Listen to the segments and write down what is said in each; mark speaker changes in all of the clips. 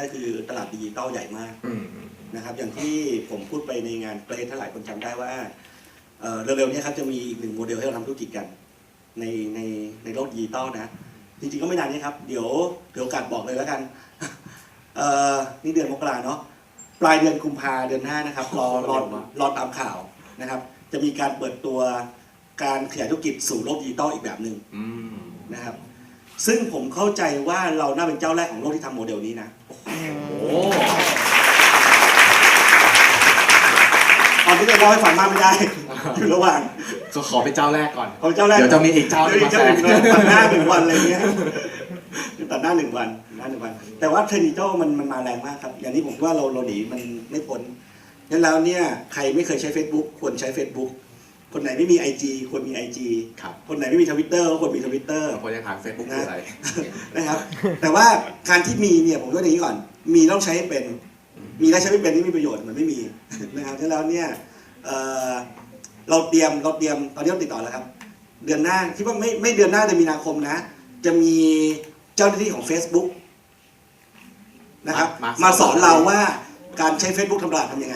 Speaker 1: ก็คือตลาดดิจิตอลใหญ่มากนะครับอย่างที่ผมพูดไปในงานเกรดถ้าหลายคนจำได้ว่าเร็วๆนี้ครับจะมีอีกหนึ่งโมเดลให้เราทำธุรกิจกันในโลกดิจิตอลนะจริงๆก็ไม่นานนี้ครับเดี๋ยวโอกาสบอกเลยแล้วกันนี่เดือนมกราเนาะปลายเดือนกุมภาเดือนหน้านะครับรอตามข่าวนะครับจะมีการเปิดตัวการขยายธุรกิจสู่โลกดิจิตอลอีกแบบหนึ่งนะครับซึ่งผมเข้าใจว่าเราน่าเป็นเจ้าแรกของโลกที่ทำโมเดลนี้นะตอนที่จะเล่าให้ฟังมากไม่ได้อยู่ระหว่าง
Speaker 2: ก็ขอเป็นเจ้าแรกก่อน
Speaker 1: เจ้าแรก
Speaker 2: เดี๋ยวจะมีอีกเจ้าหนึ่งมาแทน
Speaker 1: ตัดหน้า1 วันอะไรเงี้ยตัดหน้า1 วันแต่ว่าเทรนด์ดิจิตอลมันมาแรงมากครับอย่างนี้ผมว่าเราหนีมันไม่พ้นงั้นแล้วเนี่ยใครไม่เคยใช้ Facebook ควรใช้ Facebook คนไหนไม่มี IG ควรมี IG คนไหนไม่มี Twitter ก็ควรมี Twitter
Speaker 2: ควรจะถาม Facebook คืออะไร
Speaker 1: นะครับแต่ว่าการที่มีเนี่ยผมก็อย่างนี้ก่อนมีต้องใช้ให้เป็นมีแล้วใช้ไม่เป็นนี่มีประโยชน์มันไม่มีนะครับฉะนั้นแล้วเนี่ยเราเตรียมตอนนี้เราติดต่อแล้วครับเดือนหน้าคิดว่าไม่เดือนหน้าเดือนมีนาคมนะจะมีเจ้าหน้าที่ของ Facebook นะครับมาสอนเราว่าการใช้ Facebook ทำตลาดทำยังไง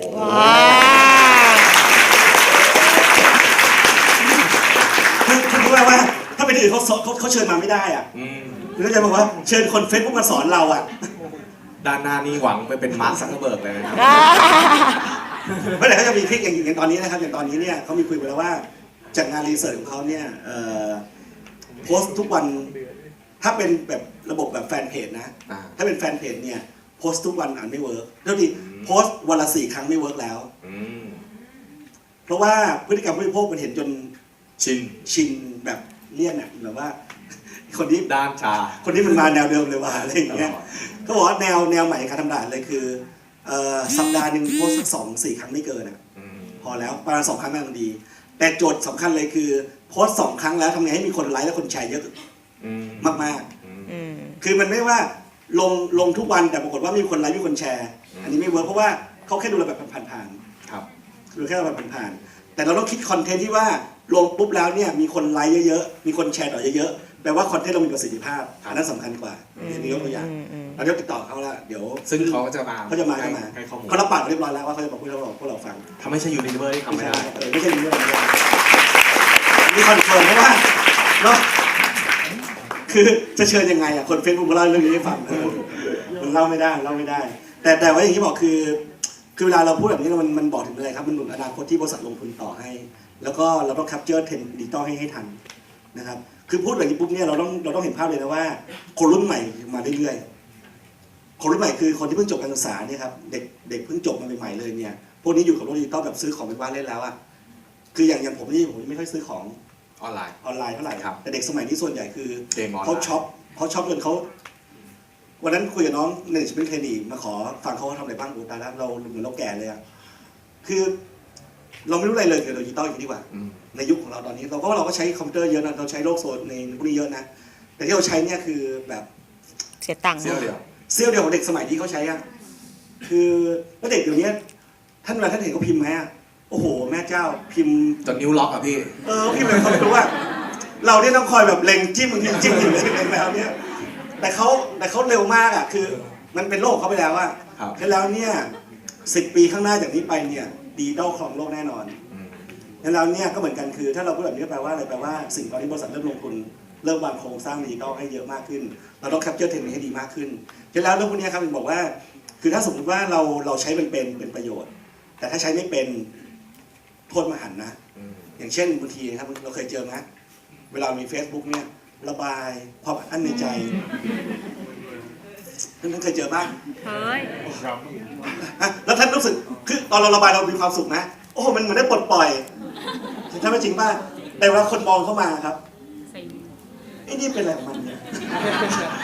Speaker 1: คือว่าถ้าเป็นอื่นเขาเชิญมาไม่ได้อ่ะคือเขาจะบอกว่าเชิญคน Facebook มาสอนเราอ่ะ
Speaker 2: ด้านหน้านี่หวังไปเป็นมาร์ค ซักเคอร์เบิร์กเลยนะครับ
Speaker 1: เมื่อไหร่เขาจะมีทริคอย่างตอนนี้นะครับอย่างตอนนี้เนี่ยเขามีคุยไปแล้วว่าจากงานรีเสิร์ชของเขาเนี่ยโพสต์ทุกวันถ้าเป็นแบบระบบแบบแฟนเพจนะถ้าเป็นแฟนเพจเนี่ยโพสต์ทุกวันไม่เวิร์กเท่าที่โพสต์วันละ4 ครั้งไม่เวิร์กแล้วเพราะว่าพฤติกรรมผู้บริโภคมันเห็นจนชินแบบเลี่ยนอ่ะแบบว่าคนนี้
Speaker 2: ด้านชา
Speaker 1: คนนี้มันมาแนวเดิมเลยว่ะอะไรอย่างเงี้ยเขาบอกว่าแนวใหม่การทำตลาดเลยคือสัปดาห์หนึ่งโพสต์สัก2-4 ครั้งไม่เกินอ่ะพอแล้วประมาณ2 ครั้งกำลังดีแต่โจทย์สำคัญเลยคือโพสต์2 ครั้งแล้วทำไงให้มีคนไลค์และคนแชร์เยอะมากๆคือมันไม่ว่าลงทุกวันแต่ปรากฏว่ามีคนไลค์มีคนแชร์อันนี้ไม่เวิร์กเพราะว่าเขาแค่ดูเราแบบผ่านๆดูแค่เราแบบผ่านๆแต่เราต้องคิดคอนเทนต์ที่ว่าลงปุ๊บแล้วเนี่ยมีคนไลค์เยอะๆมีคนแชร์ต่อเยอะๆแปลว่าคอนเทนต์เรามีประสิทธิภาพอันนั้นสำคัญกว่าอย่างนี้ยกตัวอย่างเราติดต่อเขาแล้วเดี๋ยว
Speaker 2: ซึ่งเขาจะมา
Speaker 1: ให้ข้อมูลเขารับปากเรียบร้อยแล้วว่าเขาจะบอกพวกเราฟัง
Speaker 2: ถ้าไม่ใช่ยูนิเวอร์ที่ทำไม่ได้
Speaker 1: ไม่ใช่ยูนิเวอร์นี่คอนเฟิร์มเพราะว่าเนาะคือจะเชิญยังไงอ่ะคนเฟซบุ๊กมาเล่าเรื่องนี้ให้ฟังมันเล่าไม่ได้แต่ว่าอย่างที่บอกคือเวลาเราพูดแบบนี้มันบอกถึงอะไรครับมันหนุนอนาคตที่บริษัทลงทุนต่อให้แล้วก็เราต้องแคปเจอร์เทรนด์ดิจิตอลให้ทันนะครับคือพูดแบบนี้ปุ๊บเนี่ยเราต้องเห็นภาพเลยนะว่าคนรุ่นใหม่มาเรื่อยๆคนรุ่นใหม่คือคนที่เพิ่งจบการศึกษาเนี่ยครับเด็กเพิ่งจบมาใหม่ๆเลยเนี่ยพวกนี้อยู่กับโลกดิจิตอลแบบซื้อของเป็นบ้านเล่นแล้วอ่ะคืออย่างผมนี่ผมไม่ค่อยซื้อของ
Speaker 2: ออนไลน์
Speaker 1: เท่าไหร่แต่เด็กสมัยนี้ส่วนใหญ่คือเขาช็อปจนเขาวันนั้นคุยกับน้องหนึ่งเป็นเทรนนีมาขอฟังเขาทำอะไรบ้างดูตาแล้วเราเหมือนเราแก่เลยอ่ะคือเราไม่รู้อะไรเลยเกี่ยวกับดิจิตอลอย่างนี้ดีกว่าในยุคของเราตอนนี้เราก็ใช้คอมพิวเตอร์เยอะนะเราใช้โลกโซนในพวกนี้เยอะนะแต่ที่เราใช้เนี่ยคือแบบ
Speaker 3: เสียตังค์
Speaker 2: เสี้ยวเดี
Speaker 1: ยวของเด็กสมัยที่เขาใช้อ่ะคือแล้วเด็กเดี๋ยวนี้ท่านเวลาท่านเห็นเขาพิมพ์ไหมอ่ะโอ้โหแม่เจ้าพิมพ์
Speaker 2: จนนิ้วล็อกอ่ะพี่
Speaker 1: พิมพ์เลยเขารู้ว่าเราเนี่ยต้องคอยแบบเล็งจิ้มอยู่เลยแล้วเนี่ยแต่เขาเร็วมากอ่ะคือมันเป็นโลกเขาไปแล้วอ่ะแล้วเนี่ย10 ปีข้างหน้าจากนี้ไปเนี่ยดิจิตอลครองโลกแน่นอนแล้วเนี่ยก็เหมือนกันคือถ้าเราพูดแบบนี้แปลว่าอะไรแปลว่าสิ่งตอนนี้บริษัทเริ่มลงทุนเริ่มวางโครงสร้างดิจิตอลให้เยอะมากขึ้นเราต้องแคปเจอร์เทรนด์ให้ดีมากขึ้นแล้วเรื่องพวกนี้ครับผมบอกว่าคือถ้าสมมติว่าเราใช้เป็นประโยชน์แต่ถ้าใช้ไม่เป็นโทษมหันนะอย่างเช่นบางทีครับเราเคยเจอไหมเวลามี Facebook เนี่ยระบายความอัดอั้นในใจท่านเคยเจอบ้าง
Speaker 3: เคย
Speaker 1: แล้วท่านรู้สึกคือตอนเราระบายเรามีความสุขนะโอ้โหมันเหมือนได้ปลดปล่อยใช่ไหมจริงป่ะแต่เวลาคนมองเข้ามาครับไอ้นี่เป็นอะไรของมันเนี่ย